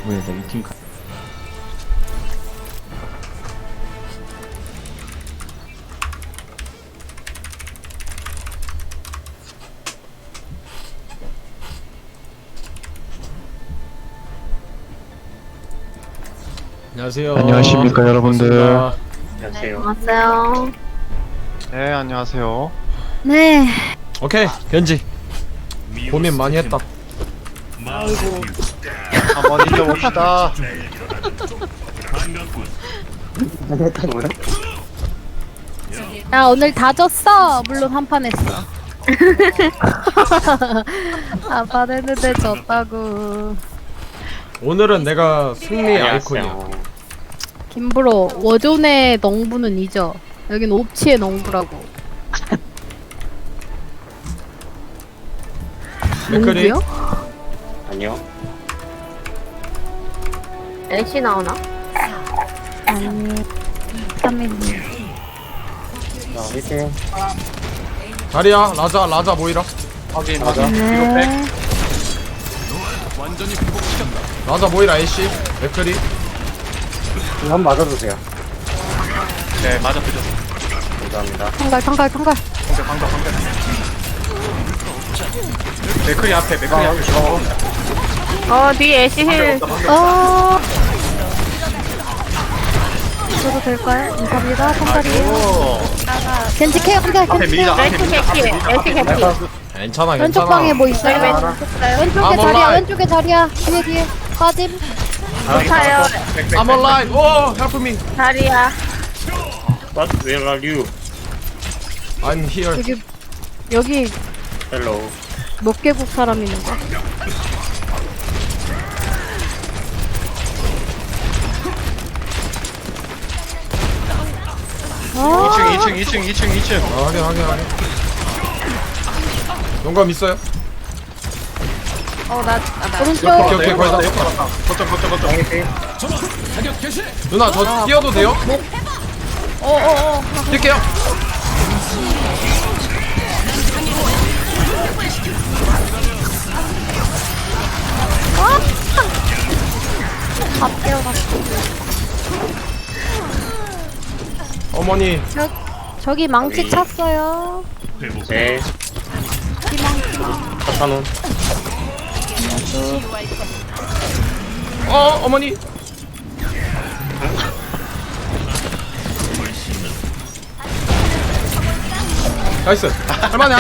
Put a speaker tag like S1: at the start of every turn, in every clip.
S1: 왜 나 이 팀 가?
S2: 안녕하세요.
S3: 안녕하십니까, 여러분들.
S2: 반갑습니다.
S4: 안녕하세요.
S5: 왔어요.
S3: 네, 안녕하세요.
S5: 네.
S2: 오케이, 견지. 고민 많이 했다.
S3: 한번 이겨봅시다.
S5: 야, 오늘 다 졌어. 물론 한 판 했어. 한 판 했는데 졌다고.
S2: 오늘은 내가 승리의 아이콘이야.
S5: 김브로, 워존의 농부는 잊어. 여긴 옵치의 농부라고.
S2: 맥크리.
S5: 농부요?
S4: 아니요.
S5: LC 나오나? 아니, 3일이.
S4: 자, 화이팅.
S2: 자리야, 라자 모이라.
S3: 확인,
S4: 맞아.
S5: 네.
S2: 라자 모이라 애쉬. 맥크리.
S4: 한번 맞아주세요.
S3: 네, 맞아, 그죠.
S4: 감사합니다.
S5: 통갈.
S3: 방벽. 맥크리 앞에, 맥크리 앞에.
S5: 뒤에 애쉬 힐. 저도 될까요? 감사합니다. 통갈이에요. 겐지 케어 한다.
S3: 앞에
S5: 겐지
S3: 밀자,
S5: 케어.
S3: 앞에 밀자.
S2: 괜찮아,
S5: 왼쪽
S2: 괜찮아.
S5: 방에 뭐 있어요? 왼쪽에
S2: I'm
S5: 자리야.
S2: alive.
S5: 왼쪽에 자리야. 뒤에 빠짐.
S4: 좋아요.
S2: I'm alive. 오, help me.
S5: 자리야.
S4: What? Where are you?
S2: I'm here.
S5: 여기
S4: Hello.
S5: 몇 개국 사람 있는 거야? 아,
S3: 2층.
S2: 확인. 용감 있어요?
S5: 오른쪽.
S2: 오케이, 거의 다.
S3: 거점.
S2: 누나, 저 뛰어도 돼요? 뛸게요.
S5: 다 뛰어갔어.
S2: 어머니.
S5: 저기 망치 찼어요.
S4: 네. 카타논.
S2: 어머니. 나이스. 할만해.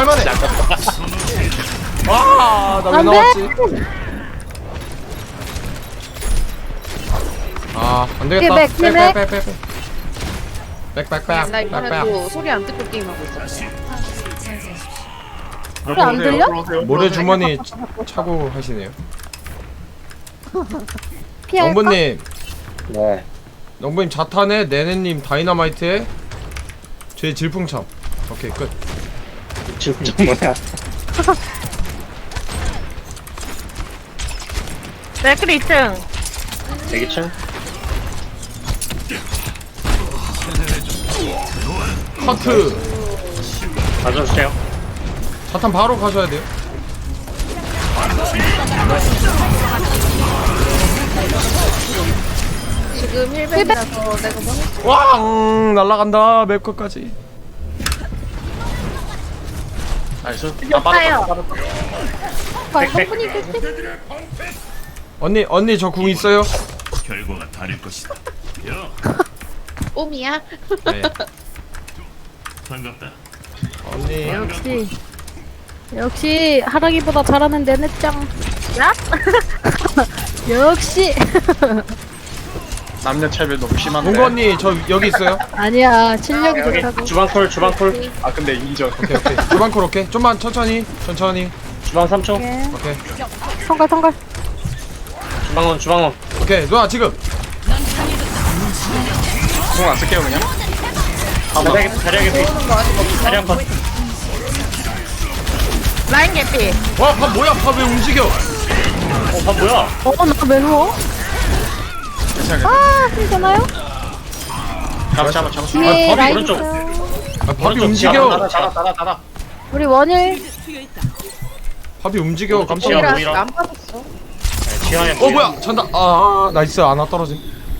S2: 와, 나 왜
S5: 안 돼!
S2: 나왔지? 아, 안 되겠다.
S5: 백.
S6: 나 이번에도 소리 안 듣고 게임하고 있었어.
S5: 소리 안 들려?
S2: 모래 주머니 차고 하시네요.
S5: 피할까?
S2: 영부님,
S4: 네.
S2: 영부님 자탄에 네네님 다이너마이트에 제 질풍참. 오케이, 끝.
S4: 지금 좀 뭐야?
S5: 맥크리 2층.
S4: 대기층?
S2: 커트.
S4: 맞아주세요.
S2: 자탄 바로 가셔야 돼요.
S6: 지금 1벤이라서 내가 뭐
S2: 왕 날라간다. 맵컷까지.
S3: 나이스.
S5: 높아요.
S4: 백.
S2: 언니 저 궁 있어요?
S7: 결과가 다를 것이다. 야,
S6: 옴이야?
S2: 네.
S7: 반갑다.
S2: 언니.
S5: 역시 하랑이보다 잘하는 내 넷짱. 야? 역시.
S3: 남녀 차별 너무 심한데.
S2: 동구 언니 저 여기 있어요.
S5: 아니야, 실력이
S4: 여기
S5: 좋다고.
S4: 주방콜.
S3: 아, 근데 인정.
S2: 오케이. 주방콜 오케이. 좀만 천천히.
S4: 주방 3초.
S2: 오케이.
S5: 통갈.
S4: 주방원.
S2: 오케이. 누나 지금.
S3: 공안 쓸게요, 그냥.
S4: 자리 한 번.
S5: 라인 개피.
S2: 와, 밥 뭐야? 밥 왜 움직여?
S4: 밥 뭐야?
S5: 나왜 누워? 아, 괜찮아요?
S3: 잡아.
S5: 뒤에
S2: 밥이
S5: 라인
S4: 오른쪽.
S5: 있어요.
S2: 아, 밥이
S4: 오른쪽
S2: 움직여.
S3: 달아.
S5: 우리 원일.
S2: 밥이 움직여. 깜짝
S4: 오른쪽이야.
S2: 놀랐어.
S4: 보이라.
S6: 안 받았어.
S4: 시간이
S2: 뭐야 잔다. 아 나이스. 아나 떨어짐.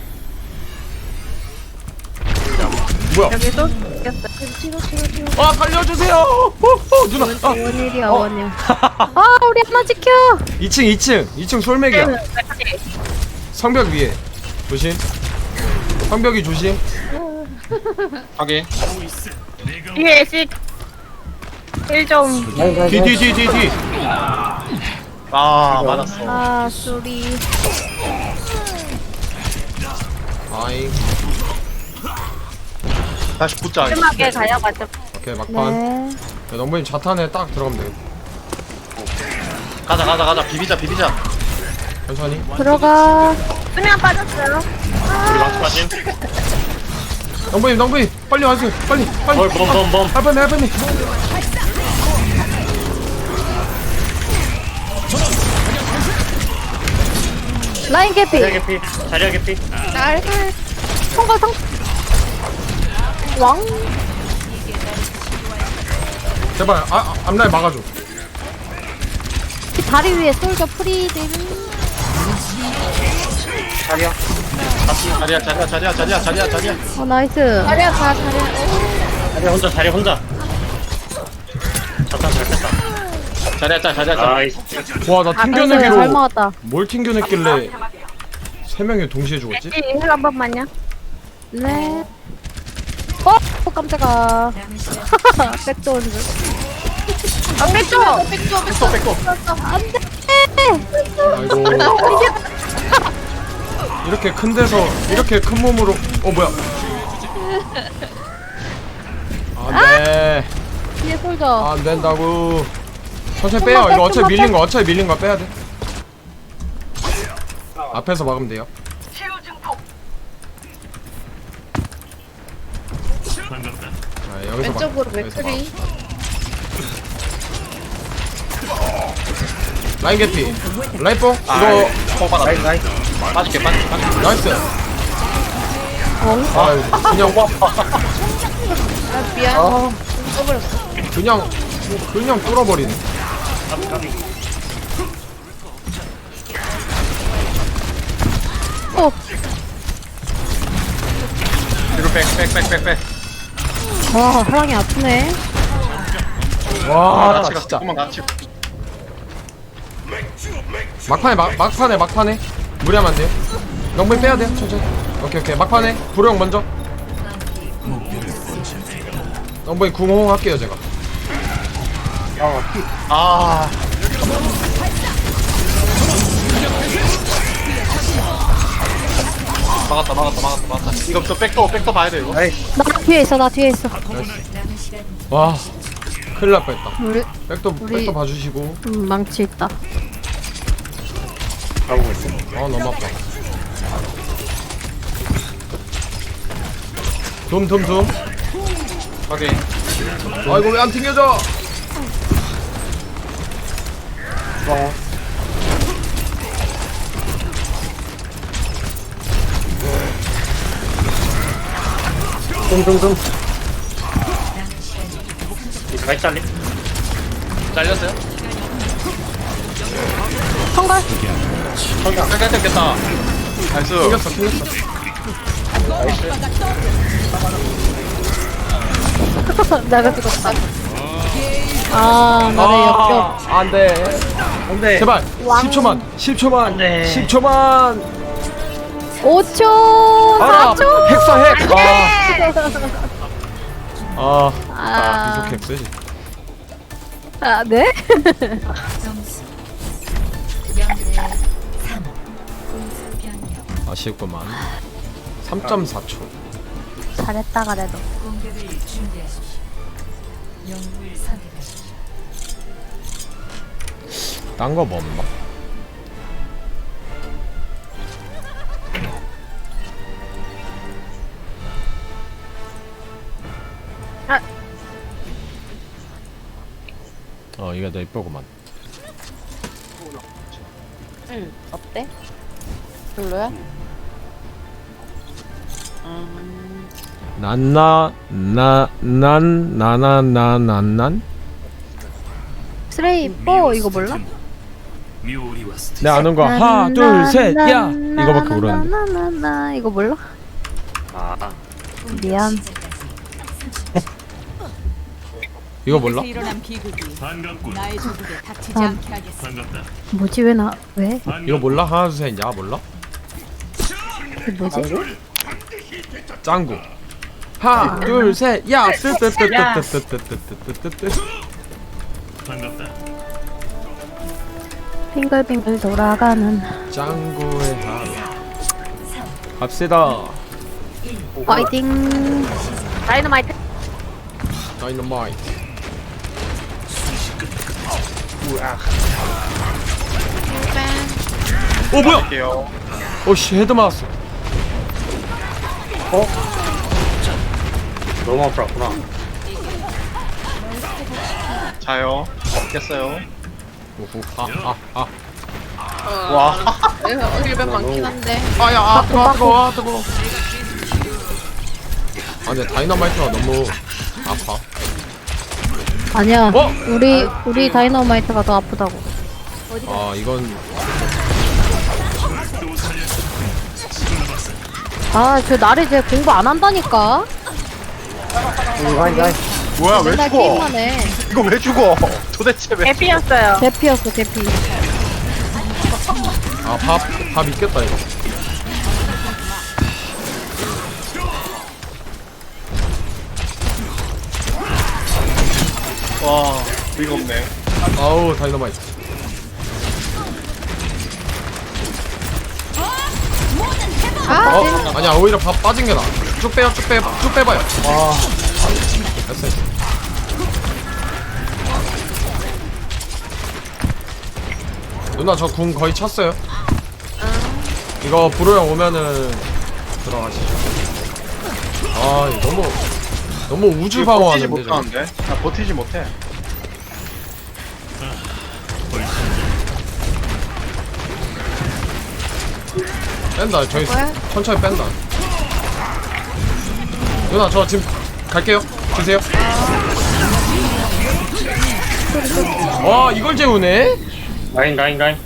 S2: 뭐야?
S6: 여기도 이겼어. 치료.
S2: 아 살려주세요. 누나. 아.
S5: 원일이야 원일. 아 우리 하나 지켜.
S2: 2층 솔맥이야. 성벽 위에 조심. 성벽이 조심.
S3: 확인.
S5: 뒤에 씩. 1점.
S2: 뒤.
S3: 아 맞았어.
S5: 아 쏘리.
S2: 아이.
S3: 다시 붙자.
S5: 심하게 가져가죠.
S2: 오케이 막판.
S5: 네.
S2: 야, 넘버님 자탄에 딱 들어가면 돼.
S3: 가자. 비비자.
S2: 천천히.
S5: 들어가. 수면 빠졌어요.
S4: 우리 망치 빠짐.
S2: 넘버님 빨리 와주세요. 빨리.
S4: 범.
S2: 할뻔해.
S5: 라인 개피.
S4: 자리야 개피.
S6: 날
S5: 성과 성. 왕.
S2: 제발 앞라인 막아줘.
S5: 다리 위에 솔저 프리딜.
S3: 자리야.
S5: 어 나이스.
S6: 자리야 다
S4: 자리 혼자. 자탄 잘 뺐다.
S3: 자리야.
S4: 나이스.
S2: 와 나
S5: 잘
S2: 튕겨내기로
S5: 먹었다.
S2: 뭘 튕겨냈길래 3명이 동시에 죽었지?
S5: 힐한 번만요. 네. 어 깜짝아. 백도원 줄. 아 백도.
S3: 뺏고.
S5: 안돼.
S2: 아이고. 이렇게 큰 데서 이렇게 큰 몸으로 뭐야? 안돼.
S5: 뒤에 솔저.
S2: 안 된다고. 천천히 빼요. 이거 어차피 밀린 거 빼야 돼. 앞에서 막으면 돼요.
S7: 반갑다.
S2: 자, 여기서
S6: 왼쪽으로
S2: 여기서
S6: 맥크리.
S2: 라인 개피. 라인뽕 이거
S3: 뽕 받아. 빠질게.
S2: 나이스. 아
S6: 미안. 써버렸어.
S2: 그냥 뚫어버리네.
S5: 어.
S3: 뒤로 백.
S5: 와 사랑이 아프네.
S2: 와
S3: 같이
S2: 나
S3: 가.
S2: 진짜
S3: 조금만 같이.
S2: 막판에 무리하면 안 돼요. 영분이 빼야 돼요. 천천히. 오케이 막판에 불용 먼저. 영분이 궁호응 할게요 제가.
S3: 아. 막았다. 이거부터 백도 봐야 돼 이거.
S5: 나 뒤에 있어.
S2: 와 큰일 날 뻔했다.
S5: 우리
S2: 백도 봐주시고.
S5: 망치 있다.
S4: 가고 있어.
S2: 너무 아파. 둠.
S3: 확인.
S2: 아이고 왜 안 튕겨져?
S4: 둥. 나이스 잘림.
S3: 잘렸어요?
S5: 성걸.
S3: 잠깐 뜯겠다. 나이스.
S2: 튕겼어.
S5: 내가 죽었다. 아 나를 역겹.
S2: 안돼. 제발.
S5: 왕.
S2: 10초만.
S4: 안돼.
S2: 10초만.
S5: 5초.
S2: 알아.
S5: 4초.
S2: 핵.
S5: 아.
S2: 이속 핵 쓰지.
S5: 아 네?
S2: 아쉽구만. 3.4초.
S5: 잘했다 그래도.
S2: 딴 거 뭐 없나? 이게 더 이쁘구만.
S6: 응. 어때? 별로야?
S2: 난난
S5: 스레이 뽀 이거 몰라?
S7: 묘리와 스트.
S2: 내 아는 거 하나 둘 셋 야 이거밖에 모르는데.
S5: 나나나나나 이거 몰라?
S4: 아
S5: 미안.
S2: 이거 몰라?
S1: 일어난 비극이
S7: 반갑군.
S1: 나의 조국에 닥치지
S5: 아.
S1: 않게 하겠어.
S7: 반갑다.
S5: 뭐지 왜 나 왜?
S2: 이거 몰라? 하나 둘 셋 야 몰라?
S5: 그 뭐지?
S2: 짱구. 하나 둘 셋 야 뜨뜨뜨뜨뜨뜨뜨뜨뜨뜨뜨.
S7: 반갑다.
S5: 빙글빙글 돌아가는
S2: 짱구의 하루. 갑시다.
S5: 파이팅. 다이너마이트.
S2: 다이너마이트. 오 뭐야?
S3: 할게요.
S2: 오씨 헤드 맞았어.
S4: 너무 아프구나.
S3: 자요. 깼어요.
S2: 오호 아아아
S3: 와.
S6: 힐벤 많긴 한데.
S2: 아야 아 뜨거워 뜨거워. 아 근데 다이너마이트가 너무 아파.
S5: 아니야.
S2: 어?
S5: 우리 다이너마이트가 더 아프다고.
S2: 아 이건
S5: 아, 저 나를 쟤 공부 안 한다니까.
S3: 뭐야 왜
S5: 맨날
S3: 죽어?
S5: 게임만 해.
S3: 이거 왜 죽어? 도대체 왜?
S6: 해피였어요.
S5: 대피였어, 대피.
S2: 아밥 있겠다 이거.
S3: 와 이거 없네.
S2: 아우 다이너마이트. 아니야 오히려 밥 빠진 게 나아. 쭉 빼요 쭉 빼봐요. 와 됐어. 누나 저 궁 거의 찼어요. 이거 불호형 오면은 들어가시죠. 아 이거 너무 우주
S3: 버티지
S2: 방어하는데 저거.
S3: 못하는데? 나 버티지 못해.
S2: 뺀다 저희 천천히 뺀다. 누나 저 지금 갈게요. 주세요. 와 이걸 재우네.
S4: 라인.
S3: 나이스.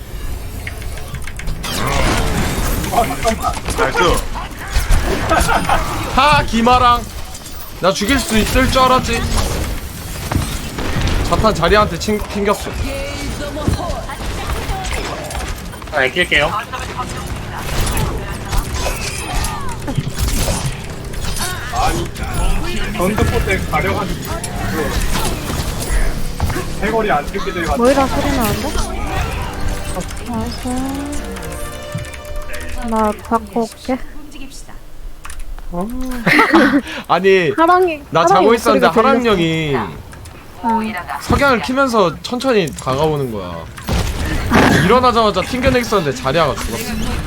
S2: 하 기마랑 나 죽일 수 있을 줄 알았지. 자탄 자리한테 튕겼어.
S4: 아 아낄게요.
S5: 뭐이라 소리 나는데? 알았어. 나 바꿔 올게.
S2: 아니
S5: 하랑이.
S2: 나
S5: 하랑이
S2: 자고 있었는데
S5: 목소리가
S2: 하랑
S5: 들렸어.
S2: 형이 석양을 키면서 천천히 다가오는 거야. 일어나자마자 튕겨내 있었는데 자리아가 죽었어.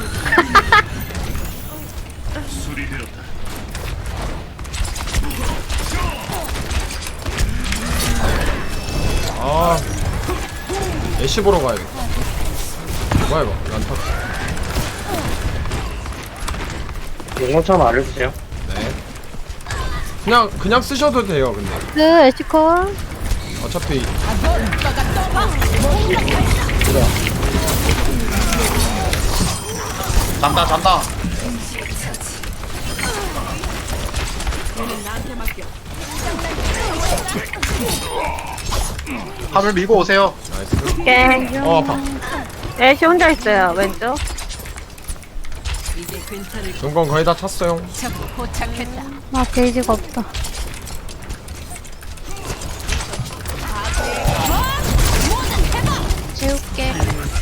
S7: 술이 들었다.
S2: 아 애쉬 보러 가야겠다. 뭐야 이거 란타.
S4: 용어처럼 알려주세요.
S2: 네. 그냥 쓰셔도 돼요. 근데
S5: 네, 에시컬.
S2: 어차피
S3: 잔다. 함을 밀고 오세요.
S2: 나이스.
S6: 깽.
S2: 아파.
S6: 애쉬 혼자 있어요. 왼쪽.
S1: 이제 근처를
S2: 용건 거의 다 찼어요.
S1: 전부 포착했다.
S5: 아, 게이지가 없다.
S6: 채울게.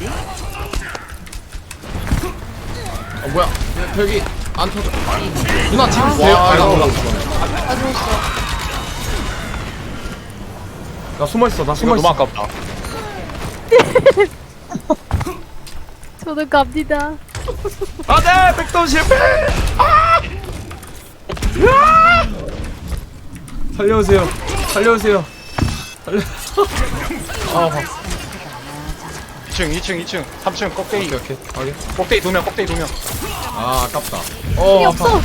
S2: 뭐야 벽이 안 터져. 누나 지금 돼요?
S3: 와,
S2: 나 몰라.
S6: 아 죽었어.
S2: 나 숨어있어. 나
S3: 이거
S2: 숨어있어.
S3: 너무 아깝다.
S5: 저도 갑니다.
S2: 안돼 백도운 실패. 아! 살려오세요. 살려. 아 아파.
S3: 2층, 3층 꼭대기.
S2: 오케이 확인.
S3: 꼭대기 2명.
S2: 아 아깝다.
S5: 힘이
S2: 아파.
S5: 없어.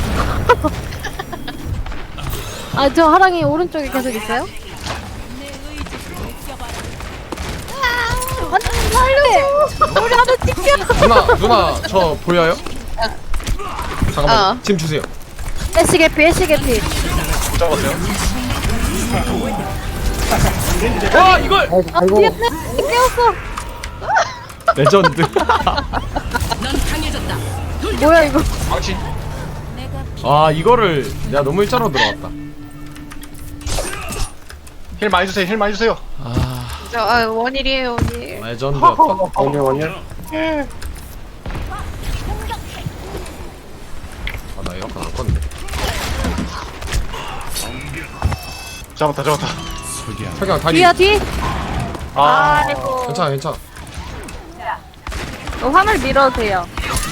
S5: 아, 저 하랑이 오른쪽에 계속 있어요? 아니 살려줘. 우리 하나 찍혀.
S2: 누나 저 보여요? 잠깐만 짐 주세요.
S5: 애쉬 개피 애쉬 개피.
S3: 잡았어요.
S2: 와 이걸
S4: 아이고.
S5: 깨웠어.
S2: 레전드.
S1: 넌 강해졌다.
S5: 뭐야 이거.
S3: 망치.
S2: 아 이거를 내가 너무 일자로 들어갔다.
S3: 힐 많이 주세요. 힐 많이 주세요.
S6: 원일이에요, 원일.
S2: 레전드였다.
S4: 원년.
S2: 아나 에어컨 안 껐네.
S3: 잡았다.
S2: 석양 다리.
S5: 뒤야 뒤.
S3: 아,
S6: 아이고.
S2: 괜찮아 괜찮아.
S6: 화물 밀어도 돼요.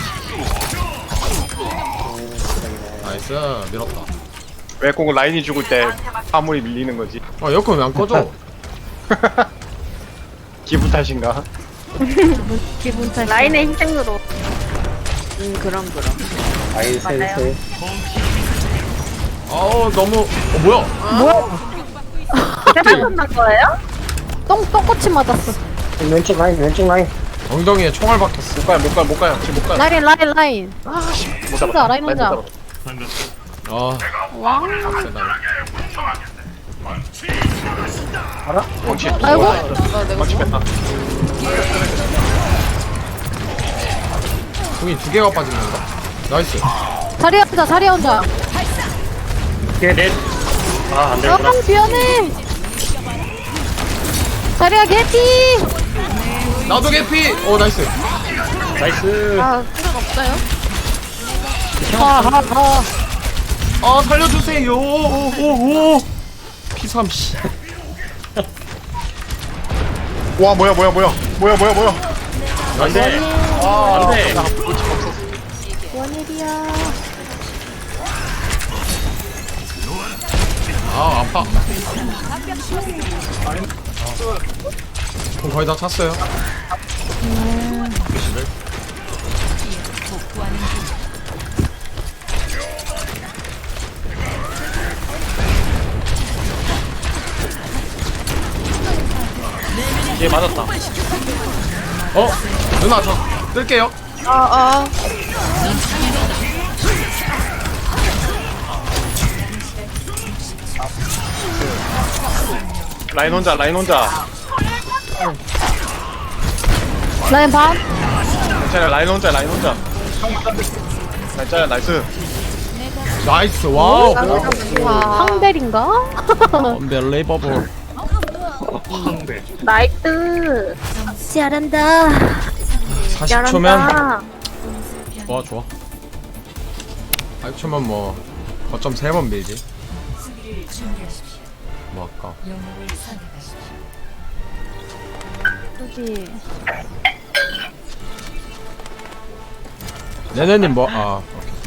S2: 나이스 밀었다.
S3: 왜 꼭 라인이 죽을 때 화물이 밀리는 거지?
S2: 아 에어컨 왜 안 꺼져?
S3: 기분 탓인가?
S5: 기분 탓.
S6: 라인의 희생으로.
S1: 그럼.
S4: 아이 센스.
S2: 아우 너무 뭐야?
S6: 세발 끝난 거예요?
S5: 똥꼬치 맞았어.
S4: 왼쪽 라인.
S2: 엉덩이에 총알 박혔어.
S3: 못 가요. 지금 못 가요.
S5: 라인.
S3: 못
S5: 혼자, 라인 혼자.
S3: 못 잡았어.
S7: 반갑다.
S2: 아 세다.
S3: 망치.
S5: 아이고.
S3: 망치 뺐다.
S2: 궁이 2개가 빠진 건가? 나이스.
S5: 자리 혼자.
S4: 뒤에 넷. 아, 안
S5: 아
S4: 되구나.
S5: 미안해. 자리야 개피.
S2: 나도 개피. 오 나이스.
S4: 나이스.
S6: 필요는 없어요?
S5: 하하하.
S2: 아 살려주세요. 오오오. P3 씨.
S3: 와 뭐야.
S2: 나이스.
S4: 안 돼.
S5: 원일이야.
S2: 아 아파. 그럼 거의 다 찼어요.
S3: 얘 맞았다.
S2: 어 누나 저 뜰게요.
S3: 라인 혼자.
S5: 라인 반.
S3: 괜찮아. 라인 혼자. 라인 짜야 나이스.
S2: 나이스 와우.
S5: 황벨인가?
S2: Unbelievable.
S6: 나이스.
S5: 잘한다.
S2: 40초면 좋아. 40초면 뭐 거점 3번 밀지. 뭐 아까.
S5: 여기.
S2: 네네님 뭐 아.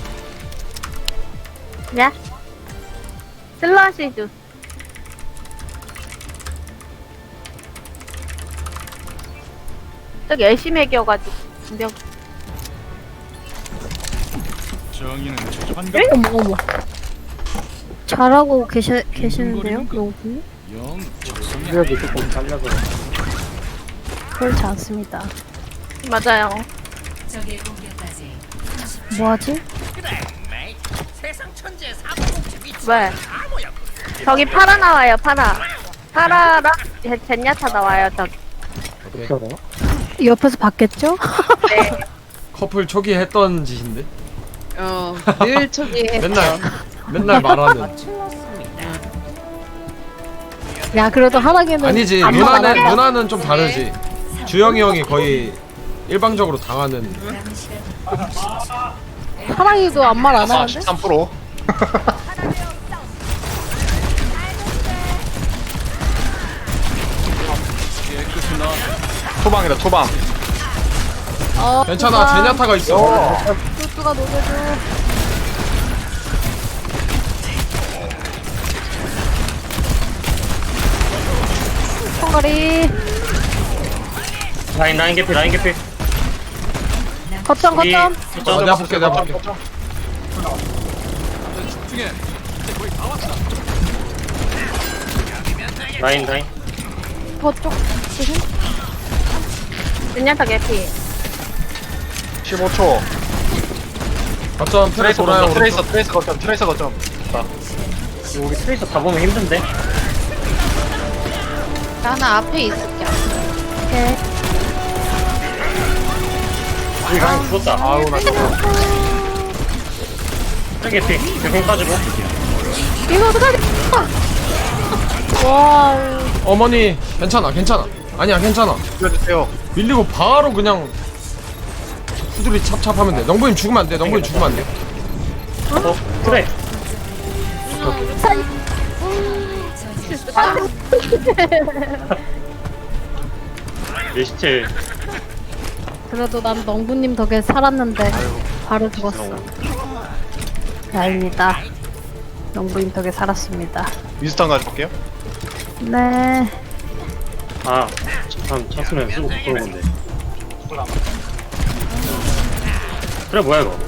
S2: 오케이.
S6: 야. 슬러시주. 저기 열심히 해겨가지고. 몇
S5: 어머. 잘하고 계시는데요, 여기?
S4: 수력이 조금 잘려서.
S5: 그렇지 않습니다.
S6: 맞아요.
S5: 뭐하지?
S6: 왜? 저기 파라 나와요, 파라랑 젠야타 나와요, 저기.
S2: 오케이.
S5: 옆에서 봤겠죠?
S6: 네.
S2: 커플 초기 했던 짓인데.
S1: 늘 초기
S2: 맨날 말하는.
S5: 야, 그래도 하나기는.
S2: 아니지
S5: 안 나가네.
S2: 누나는 좀 다르지. 주영이 형이 거의 일방적으로 당하는.
S5: 하나기도 아무 말 안 하는데?
S3: 13%. 투방.
S2: 괜찮아 제냐타가 있어.
S5: 뚜뚜가 녹여줘. 콩가리.
S4: 라인 개피.
S5: 거점.
S2: 내가 볼게.
S4: 라인.
S5: 거쪽. 조심.
S6: 젠야타 개피.
S3: 15초.
S2: 거점 트레
S3: 트레이서
S2: 돌아요.
S3: 거점,
S2: 오른쪽.
S3: 트레이서 거점, 트레이서 거점. 자,
S4: 우리 트레이서 다 보면 힘든데.
S1: 나는 앞에 있을게.
S5: 오케이.
S4: 우리 강 죽었다.
S3: 아우, 나 죽어.
S4: 트레 개피. 개공 빠지고.
S5: 이거 어떡하지? 와우.
S2: 어머니 괜찮아 괜찮아. 아니야 괜찮아.
S3: 죽여주세요.
S2: 밀리고 바로 그냥 후드리 찹찹하면 돼. 영부인 죽으면 안 돼. 영부인 죽으면 안 돼.
S4: 트레. 내 시체.
S5: 그래도 난 넝구님 덕에 살았는데 바로 죽었어. 다행이다. 넝구님 덕에 살았습니다.
S3: 위스턴 가져올게요.
S5: 네.
S4: 아, 참 찼으면 쓰고 부끄러운 건데. 그래 뭐야 이거?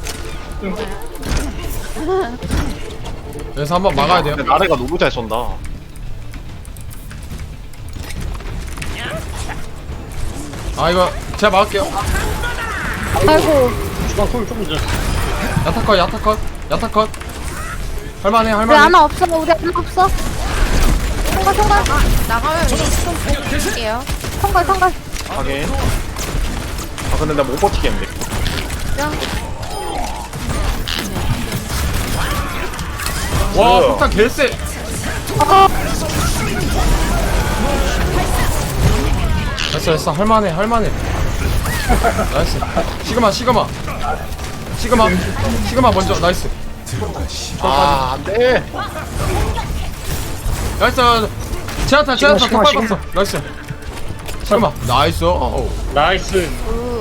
S2: 그래서 한번 막아야 돼요.
S3: 근데 나래가 너무 잘 쏜다.
S2: 아 이거 제가 막을게요.
S5: 아이고.
S4: 주방 소리 조금 전.
S2: 야타컷 야타컷 야타컷. 할만해
S5: 우리
S2: 할만해.
S5: 하나 없어. 우리 하나 없어. 통과 통과.
S1: 나가면 좀 볼게요.
S5: 통과 통과.
S3: 하긴. 아, 근데 나 못 버티겠는데.
S2: 와 폭탄 개쎄. 됐어 됐어 할만해 할만해. 나이스. 시그마 시그마 시그마 시그마 먼저 나이스.
S3: 아, 안 돼.
S2: 나이스. 제아타 제아타
S4: 시그마,
S2: 더
S4: 시그마.
S2: 밟았어. 나이스. 시그마 나이스. 어우.
S4: 나이스.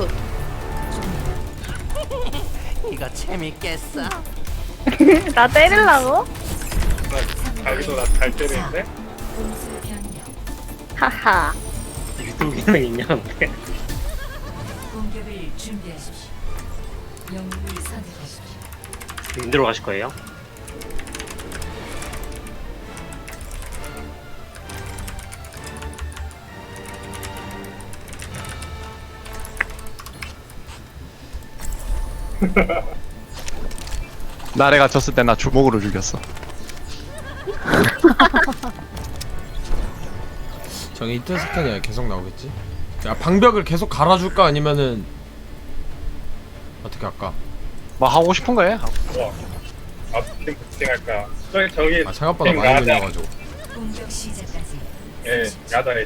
S6: 나 때리려고?
S4: 자기도 나 잘 때리는데?
S6: 하하.
S4: 유도 기능 있냐 근데?
S8: 공격을 준비하십시오. 영웅을 선택하십시오.
S4: 인대로 가실 거예요?
S3: 나래가 졌을 때 나 주먹으로 죽였어.
S2: 저기 이틀 스캔이 계속 나오겠지? 야 방벽을 계속 갈아줄까 아니면은 어떻게 할까?
S3: 뭐 하고 싶은 거 해.
S4: 앞팀 부팅할까? 저기
S2: 아 생각보다 많이 밀려가지고.
S8: 공격 시작까지
S4: 예, 야단에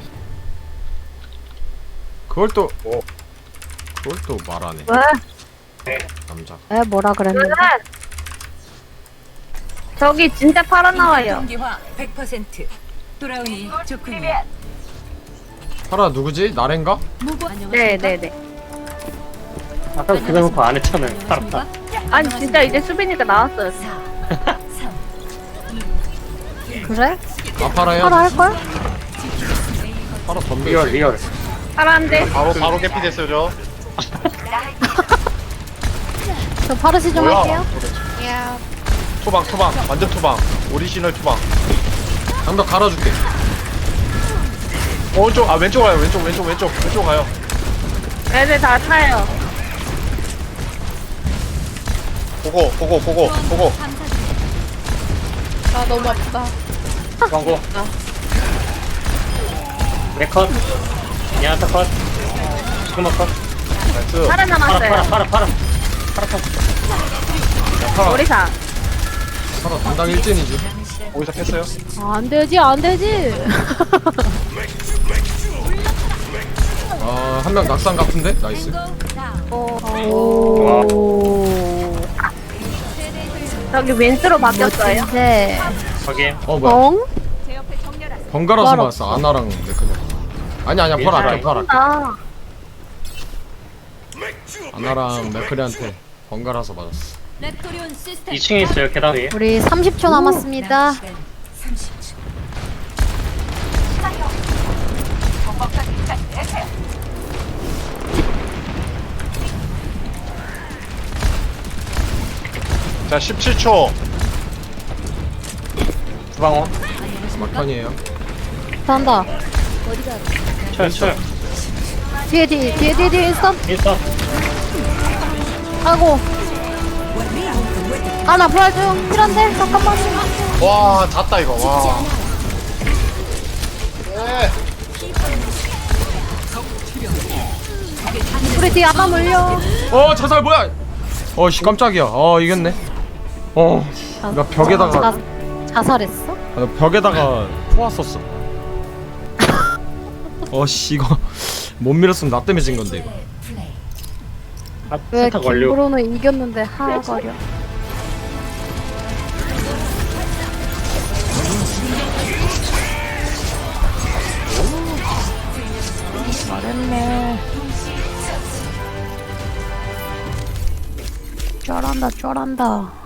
S2: 그걸 또
S4: 뭐?
S2: 그걸 또 말하네
S6: 왜?
S2: 남자.
S5: 에 뭐라 그랬는데?
S6: 저기 진짜 팔아 나와요.
S8: 경기화 100%. 돌아오니 좋군요.
S2: 파라 누구지? 나렌가?
S6: 네네네.
S4: 아까 그거 놓고 안 했잖아요. 팔았다.
S6: 아니 진짜 이제 수빈이가 나왔어요.
S8: 4, 3,
S5: 그래?
S2: 아 파라야?
S5: 하라 할걸?
S2: 파라 덤벼.
S4: 리얼 리얼.
S6: 파란데.
S3: 바로 개피 됐어요, 저.
S5: 저 파르시 좀
S3: 뭐야?
S5: 할게요.
S1: 야,
S3: 투방, 완전 투방. 오리지널 투방.
S2: 방벽 갈아줄게.
S3: 오른쪽, 아 왼쪽 가요, 왼쪽 가요.
S6: 애들 다 타요.
S3: 보고.
S1: 나 너무 아프다.
S4: 광고. 네컷. 야타 컷. 시그마 컷.
S3: 나이스.
S6: 팔아 남았어요.
S4: 팔아.
S6: 오리사.
S2: 파라 담당 일진이지.
S3: 거기서 깼어요?
S5: 안 되지 안 되지.
S2: 한 명 낙상 같은데? 나이스.
S5: 오.
S6: 저기 왼수로 바뀌었어요.
S5: 네.
S4: 확인.
S2: 뭐야?
S5: 엉?
S2: 번갈아서
S5: 말
S2: 맞았어. 아나랑 네크네. 아니야 벌 할게 벌 할게.
S6: 아,
S2: 아나랑 네크리한테 번갈아서 맞았어.
S4: 2층에 있어요 계단 위에.
S5: 우리 30초 남았습니다.
S8: 시간 30초.
S3: 자, 17초.
S4: 주방어.
S2: 막판이에요.
S5: 한다.
S4: 쳐요.
S5: 뒤에 있어.
S4: 있어.
S5: 아이고. 아, 나 부활 좀 필요한데? 잠깐만.
S3: 와 닿았다 이거 와
S5: 우리 뒤에 아마 물려.
S2: 자살 뭐야? 씨 깜짝이야. 이겼네. 나 벽에다가
S5: 자살했어?
S2: 나 벽에다가 포왔었어. 씨 이거 못 밀었으면 나 때문에 진 건데 이거.
S5: 왜
S4: 세탁 완료.
S5: 김브로는 이겼는데 하거려. 잘했네. 잘한다.